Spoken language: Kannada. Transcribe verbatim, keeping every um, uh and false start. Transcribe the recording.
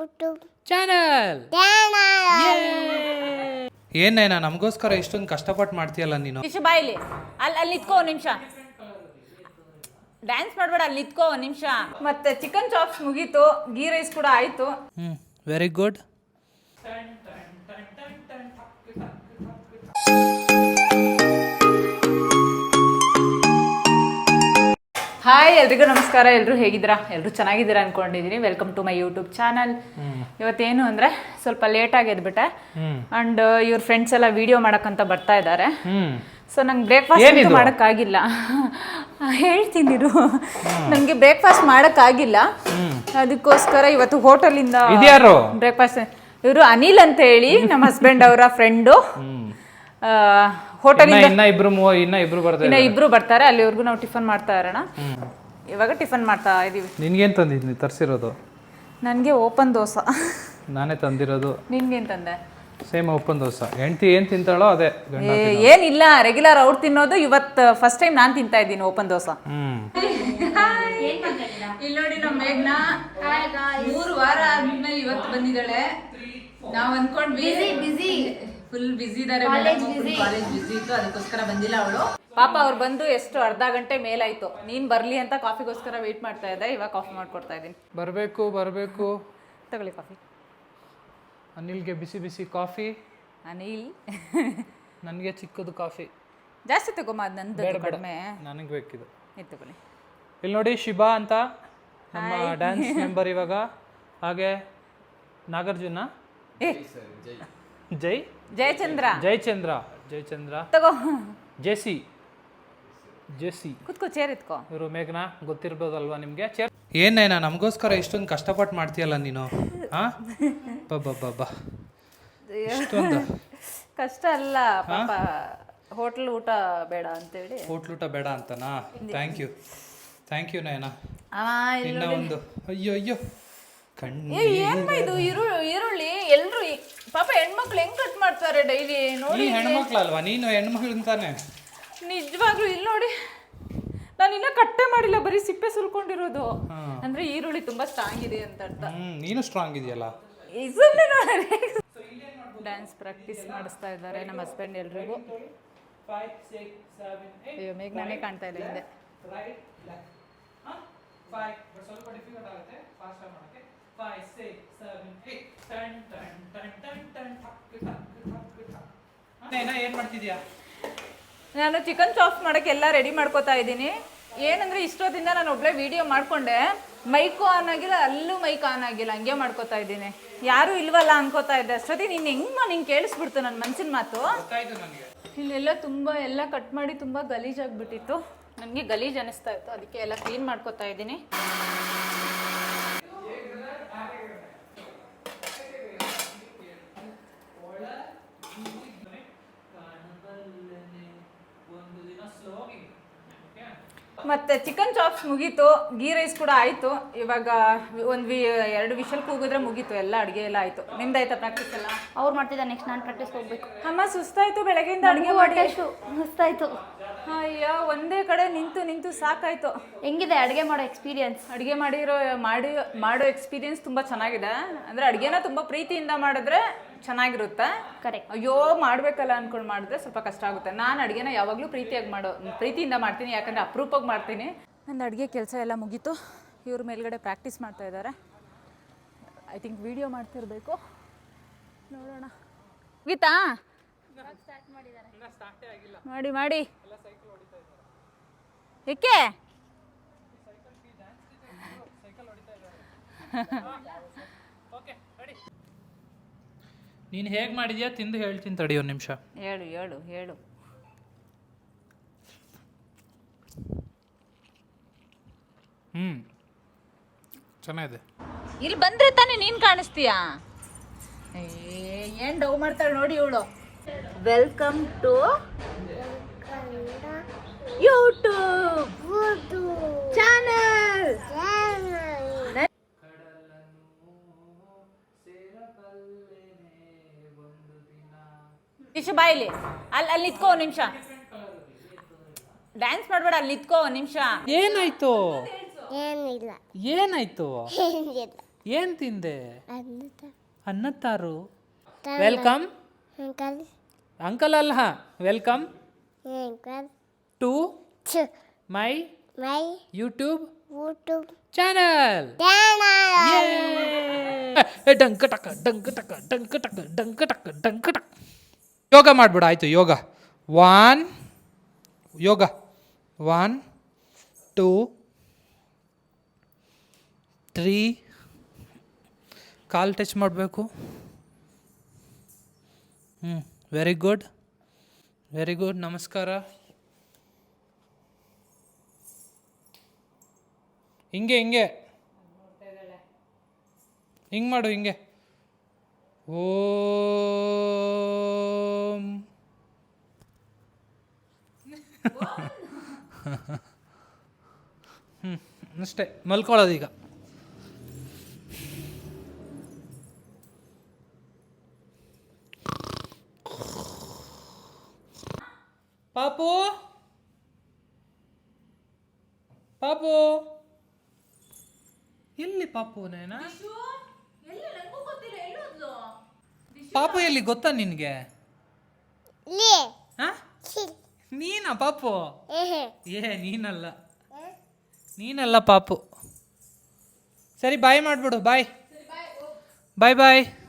YouTube channel channel. ಏನೇನಾ ನಮಗೋಸ್ಕರ ಇಷ್ಟೊಂದು ಕಷ್ಟಪಟ್ಟು ಮಾಡ್ತೀಯಲ್ಲ ನೀನು. ಇಶು ಬಾಯಿಲಿ ಅಲ್ಲಿ ಅಲ್ಲಿ ನಿತ್ಕೋ ಒಂದು ನಿಮಿಷ. ಡ್ಯಾನ್ಸ್ ಮಾಡಬೇಡ, ಅಲ್ಲಿ ನಿತ್ಕೋ ಒಂದು ನಿಮಿಷ. ಮತ್ತೆ ಚಿಕನ್ ಚಾಪ್ಸ್ ಮುಗೀತು, ಗೀ ರೈಸ್ ಕೂಡ ಆಯ್ತು. ಹ್ಮ್ ವೆರಿ ಗುಡ್. ಹಾಯ್ ಎಲ್ರಿಗೂ ನಮಸ್ಕಾರ. ಎಲ್ಲರೂ ಹೇಗಿದ್ದೀರಾ? ಎಲ್ಲರೂ ಚೆನ್ನಾಗಿದ್ದೀರಾ ಅನ್ಕೊಂಡಿದ್ದೀನಿ. Welcome to my YouTube channel. ಇವತ್ತೇನು ಅಂದರೆ ಸ್ವಲ್ಪ ಲೇಟಾಗಿ ಎದ್ಬಿಟ್ಟೆ ಆ್ಯಂಡ್ ಇವ್ರ ಫ್ರೆಂಡ್ಸ್ ಎಲ್ಲ ವಿಡಿಯೋ ಮಾಡೋಕ್ಕಂತ ಬರ್ತಾ ಇದ್ದಾರೆ. ಸೊ ನಂಗೆ ಬ್ರೇಕ್ಫಾಸ್ಟ್ ಮಾಡೋಕ್ಕಾಗಿಲ್ಲ. ಹೇಳ್ತೀನಿರು, ನನಗೆ ಬ್ರೇಕ್ಫಾಸ್ಟ್ ಮಾಡೋಕ್ಕಾಗಿಲ್ಲ. ಅದಕ್ಕೋಸ್ಕರ ಇವತ್ತು ಹೋಟೆಲಿಂದ ಬ್ರೇಕ್ಫಾಸ್ಟ್. ಇವರು ಅನಿಲ್ ಅಂತ ಹೇಳಿ ನಮ್ಮ ಹಸ್ಬೆಂಡ್ ಅವರ ಫ್ರೆಂಡು. ಹೋಟೆಲಿಂದ ಇನ್ನ ಇಬ್ರು ಇನ್ನ ಇಬ್ರು ಬರ್ತಾರೆ ಇನ್ನ ಇಬ್ರು ಬರ್ತಾರೆ. ಅಲ್ಲಿವರೆಗೂ ನಾವು ಟಿಫನ್ ಮಾಡ್ತಾ ಇರೋಣ. ಇವಾಗ ಟಿಫನ್ ಮಾಡ್ತಾ ಇದೀವಿ. ನಿನ್ಗೇನ್ ತಂದಿದ್ನಿ ತರಿಸಿರೋದು? ನನಗೆ ಓಪನ್ ದೋಸೆ. ನಾನೇ ತಂದಿರೋದು. ನಿನ್ಗೇನು ತಂದೆ? Same open dosa. ಹೆಂಡತಿ ಏನ್ ತಿಂತಾಳೋ ಅದೇ. ಏನಿಲ್ಲ, ರೆಗ್ಯುಲರ್ ಅವ್ರು ತಿನ್ನೋದು. ಇವತ್ತು ಫಸ್ಟ್ ಟೈಮ್ ನಾನು ತಿಂತಾ ಇದ್ದೀನಿ ಓಪನ್ ದೋಸೆ. ಹ್ಮ್ ಇಲ್ಲಿ ನೋಡಿ ನಮ್ಮ ಮೇಘ್ನ ಮೂರು ವಾರ ಆದ್ಮೇಲೆ ಇವತ್ತು ಬಂದಿದ್ದಾಳೆ. ನಾವ್ ಅನ್ಕೊಂಡ್ವಿ ಬಿಸಿ ಫುಲ್ ಬಿಸಿ ಇದಾರೆ, ಕಾಲೇಜ್ ಬಿಸಿ ಇತ್ತು, ಅದಕ್ಕೋಸ್ಕರ ಬಂದಿಲ್ಲ ಅವಳು. ಪಾಪ ಅವ್ರು ಬಂದು ಎಷ್ಟು ಅರ್ಧ ಗಂಟೆ ಮೇಲಾಯ್ತು. ನೀನ್ ಬರ್ಲಿ ಅಂತ ಕಾಫಿಗೋಸ್ಕರ ವೇಟ್ ಮಾಡ್ತಾ ಇದ್ದೆ. ಇವಾಗ ಕಾಫಿ ಮಾಡ್ಕೊಡ್ತಾ ಇದ್ದೀನಿ. ಬರ್ಬೇಕು ಬರ್ಬೇಕು ತಗೊಳ್ಳಿ ಕಾಫಿ. ಅನಿಲ್ಗೆ ಬಿಸಿ ಬಿಸಿ ಕಾಫಿ. ಅನಿಲ್ ನನಗೆ ಚಿಕ್ಕದು ಕಾಫಿ. ಜಾಸ್ತಿ ತಗೊಮ್ಮ, ಅದು ನಂದು ಕಡಿಮೆ. ನನಗೆ ಬೇಕಿದು. ಇದು ತಗೊಳ್ಳಿ. ಇಲ್ಲಿ ನೋಡಿ ಶಿಬಾ ಅಂತ ನಮ್ಮ ಡ್ಯಾನ್ಸ್ ಮೆಂಬರ್ ಇವಾಗ. ಹಾಗೆ ನಾಗಾರ್ಜುನ, ಜೈ ಜಯಚಂದ್ರ, ಜಯಚಂದ್ರ ಜಯಚಂದ್ರ ತಗೋ. ಜೆಸಿ ಜೆಸಿ ಕುತ್ಕೋ, ಚೇರ್ ಎತ್ಕೋ. ಇವರು ಮೇಘನಾ, ಗೊತ್ತಿರ್ಬೋದಲ್ವಾ ನಿಮ್ಗೆ? ಚೇರ್ ಏನೇನಾ ನಮಗೋಸ್ಕರ ಇಷ್ಟೊಂದು ಕಷ್ಟಪಟ್ಟು ಮಾಡ್ತೀಯಲ್ಲ ನೀನು. ಹಾ ಬಬ್ಬಬ್ಬಬ್ಬಾ, ಇಷ್ಟೊಂದು ಕಷ್ಟ ಅಲ್ಲ ಪಾಪ. ಹೋಟ್ಲ್ ಊಟ ಬೇಡ ಅಂತೇಳಿ. ಹೋಟ್ಲ್ ಊಟ ಬೇಡ ಅಂತನಾ? Thank you thank you Nayana. ಇನ್ನ ಒಂದು ಅಯ್ಯೋ ಅಯ್ಯೋ ಕಣ್ಣು. ಏನ್ ಇದು ಈರುಳ್ಳಿ ಈರುಳ್ಳಿ ಎಲ್ರು ಪಾಪ ಹೆಣ್ಮಕ್ಳು ಹೆಂಗ್ ಕಟ್ ಮಾಡ್ತಾರೆ ಡೈಲಿ ನೋಡಿ. ಹೆಣ್ಮಕ್ಳಲ್ವಾ ನೀನು? ಹೆಣ್ಮಕ್ಳು ಅಂತಾನೆ ನಿಜವಾಗ್ಲೂ. ಇಲ್ಲಿ ನೋಡಿ, ನಾನು ಇನ್ನ ಕಟ್ಟೆ ಮಾಡಿಲ್ಲ, ಬರೀ ಸಿಪ್ಪೆ ಸುಲ್ಕೊಂಡಿರೋದು. ಅಂದ್ರೆ ಈರುಳ್ಳಿ ತುಂಬಾ ಸ್ಟ್ರಾಂಗ್ ಇದೆ ಅಂತ ಅರ್ಥ. ನೀನು ಸ್ಟ್ರಾಂಗ್ ಇದೆಯಲ್ಲ. ಡ್ಯಾನ್ಸ್ ಪ್ರಾಕ್ಟೀಸ್ ಮಾಡಿಸ್ತಾ ಇದ್ದಾರೆ ನಮ್ಮ ಹಸ್ಬೆಂಡ್ ಎಲ್ರಿಗೂ. ಅಯ್ಯೋ ಮೇಘ ನಾನೇ ಕಾಣ್ತಾ ಇಲ್ಲ ಹಿಂದೆ. ಏನ್ ಮಾಡ್ತಿದ್ಯಾ? ನಾನು ಚಿಕನ್ ಚಾಪ್ಸ್ ಮಾಡೋಕ್ಕೆ ಎಲ್ಲ ರೆಡಿ ಮಾಡ್ಕೋತಾ ಇದ್ದೀನಿ. ಏನಂದ್ರೆ ಇಷ್ಟೊತ್ತಿಂದ ನಾನು ಒಬ್ಳೆ ವಿಡಿಯೋ ಮಾಡ್ಕೊಂಡೆ, ಮೈಕು ಆನ್ ಆಗಿಲ್ಲ, ಅಲ್ಲೂ ಮೈಕ್ ಆನ್ ಆಗಿಲ್ಲ, ಹಂಗೆ ಮಾಡ್ಕೋತಾ ಇದ್ದೀನಿ. ಯಾರು ಇಲ್ವಲ್ಲ ಅನ್ಕೋತಾ ಇದ್ದೆ. ಅಷ್ಟೊತ್ತಿಗೆ ನೀನು ಹೆಂಗ್ ನಿಂಗೆ ಕೇಳಿಸ್ಬಿಡ್ತು ನನ್ನ ಮನ್ಸಿನ ಮಾತು. ಇಲ್ಲೆಲ್ಲ ತುಂಬ ಎಲ್ಲ ಕಟ್ ಮಾಡಿ ತುಂಬ ಗಲೀಜಾಗ್ಬಿಟ್ಟಿತ್ತು. ನನಗೆ ಗಲೀಜ್ ಅನಿಸ್ತಾ ಇತ್ತು, ಅದಕ್ಕೆ ಎಲ್ಲ ಕ್ಲೀನ್ ಮಾಡ್ಕೋತಾ ಇದ್ದೀನಿ. ಮತ್ತೆ ಚಿಕನ್ ಚಾಪ್ಸ್ ಮುಗೀತು, ಗೀ ರೈಸ್ ಕೂಡ ಆಯ್ತು. ಇವಾಗ ಒಂದು ವಿ ಎರಡು ವಿಷಲ್ ಕೂಗಿದ್ರೆ ಮುಗೀತು, ಎಲ್ಲ ಅಡುಗೆ ಎಲ್ಲ ಆಯ್ತು. ನಿಮ್ದಾಯ್ತಾ ಪ್ರಾಕ್ಟೀಸ್ ಎಲ್ಲ? ಅವ್ರು ಮಾಡ್ತಿದ್ದ, ನೆಕ್ಸ್ಟ್ ನಾನು ಪ್ರಾಕ್ಟೀಸ್ ಹೋಗ್ಬೇಕು. ಅಮ್ಮ ಸುಸ್ತಾಯ್ತು ಬೆಳಗ್ಗೆಯಿಂದ ಅಡುಗೆ ಮಾಡಿ. ಅಷ್ಟು ಸುಸ್ತಾಯ್ತು. ಅಯ್ಯೋ ಒಂದೇ ಕಡೆ ನಿಂತು ನಿಂತು ಸಾಕಾಯ್ತು. ಹೆಂಗಿದೆ ಅಡುಗೆ ಮಾಡೋ ಎಕ್ಸ್ಪೀರಿಯನ್ಸ್? ಅಡುಗೆ ಮಾಡಿರೋ ಮಾಡಿ ಮಾಡೋ ಎಕ್ಸ್ಪೀರಿಯನ್ಸ್ ತುಂಬ ಚೆನ್ನಾಗಿದೆ. ಅಂದರೆ ಅಡುಗೆನ ತುಂಬ ಪ್ರೀತಿಯಿಂದ ಮಾಡಿದ್ರೆ ಚೆನ್ನಾಗಿರುತ್ತೆ. ಕರೆಕ್ಟ್. ಅಯ್ಯೋ ಮಾಡಬೇಕಲ್ಲ ಅಂದ್ಕೊಂಡು ಮಾಡಿದ್ರೆ ಸ್ವಲ್ಪ ಕಷ್ಟ ಆಗುತ್ತೆ. ನಾನು ಅಡುಗೆನ ಯಾವಾಗಲೂ ಪ್ರೀತಿಯಾಗಿ ಮಾಡೋ ಪ್ರೀತಿಯಿಂದ ಮಾಡ್ತೀನಿ, ಯಾಕಂದರೆ ಅಪರೂಪವಾಗಿ ಮಾಡ್ತೀನಿ. ನಂದು ಅಡುಗೆ ಕೆಲಸ ಎಲ್ಲ ಮುಗೀತು. ಇವ್ರ ಮೇಲ್ಗಡೆ ಪ್ರಾಕ್ಟೀಸ್ ಮಾಡ್ತಾ ಇದ್ದಾರೆ. ಐ ಥಿಂಕ್ ವಿಡಿಯೋ ಮಾಡ್ತಿರ್ಬೇಕು, ನೋಡೋಣ. ಗೀತಾ ಮಾಡಿ ಮಾಡಿ ಏಕೆ? ನೀನು ಹೇಗೆ ಮಾಡಿದ್ಯಾ ತಿಂದು ಹೇಳ್ತೀನಿ ತಡಿ ಒಂದು ನಿಮಿಷ. ಹೇಳು ಹೇಳು ಹೇಳು. ಹ್ಮ್ ಚೆನ್ನಾಗಿದೆ. ಇಲ್ಲಿ ಬಂದ್ರೆ ತಾನೇ ನೀನು ಕಾಣಿಸ್ತೀಯಾ? ಏನು ಡೌ ಮಾಡ್ತಾಳೆ ನೋಡಿ ಇವಳು. Welcome to YouTube channel. Ishu ಬಾಯಿಲಿ ಅಲ್ಲಿ ಅಲ್ಲಿ ನಿತ್ಕೋ ಒಂದು ನಿಮಿಷ. ಡ್ಯಾನ್ಸ್ ಮಾಡಬೇಡ, ಅಲ್ಲಿ ನಿತ್ಕೋ ಒಂದು ನಿಮಿಷ. ಏನಾಯ್ತು? ಏನಿಲ್ಲ. ಏನಾಯ್ತು? ಏನಿಲ್ಲ. ಏನು ತಿಂದೆ ಅನ್ನ ತಾರು ವೆಲ್ಕಮ್ ಅಂಕಲ್ ಅಲ್ಲ welcome to my YouTube channel ಡಂಕ ಟಕ ಡಂಕ ಟಕ ಡಂಕ ಟಕ ಡಂಕ ಟಕ ಡಂಕ ಟಕ ಯೋಗ ಮಾಡ್ಬಿಡ ಆಯ್ತು yoga one yoga one two three ಕಾಲು ಟಚ್ ಮಾಡಬೇಕು ಹ್ಞೂ ವೆರಿ ಗುಡ್ ವೆರಿ ಗುಡ್ ನಮಸ್ಕಾರ ಹಿಂಗೆ ಹಿಂಗೆ ಹಿಂಗೆ ಮಾಡು ಹಿಂಗೆ ಓಂ ಹ್ಞೂ ಅಷ್ಟೇ ಮಲ್ಕೊಳ್ಳೋದೀಗ ಪಾಪು ಪಾಪು ಎಲ್ಲಿ ಪಾಪು ನೇನಾ ಪಾಪು ಎಲ್ಲಿ ಗೊತ್ತಾ ನಿನಗೆ ನೀನಾ ಪಾಪು ಏ ನೀನಲ್ಲ ನೀನಲ್ಲ ಪಾಪು ಸರಿ ಬಾಯ್ ಮಾಡಿಬಿಡು ಬಾಯ್ ಬಾಯ್ ಬಾಯ್